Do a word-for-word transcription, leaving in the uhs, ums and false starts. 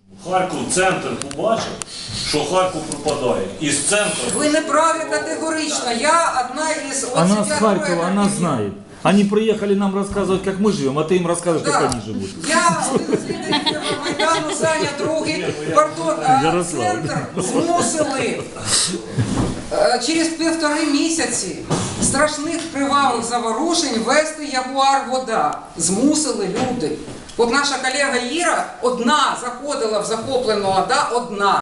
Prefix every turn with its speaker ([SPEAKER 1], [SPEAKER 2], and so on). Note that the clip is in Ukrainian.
[SPEAKER 1] Харків центр побачив, що Харків пропадає. Із центру.
[SPEAKER 2] Ви не праві категорично. Я одна із...
[SPEAKER 3] Она с Харькова, она знает. Они приехали нам рассказывать, как мы живем, а ты им рассказываешь,
[SPEAKER 2] Да.
[SPEAKER 3] как они живут.
[SPEAKER 2] Я один з лідерів Майдану, Саня, другий, пардон, а,
[SPEAKER 3] Ярослав.
[SPEAKER 2] центр змусили е, через півтори місяці страшних кривавих заворушень вести Ягуар-Вода. Змусили люди. От наша колега Іра одна заходила в захоплену ОДА, одна.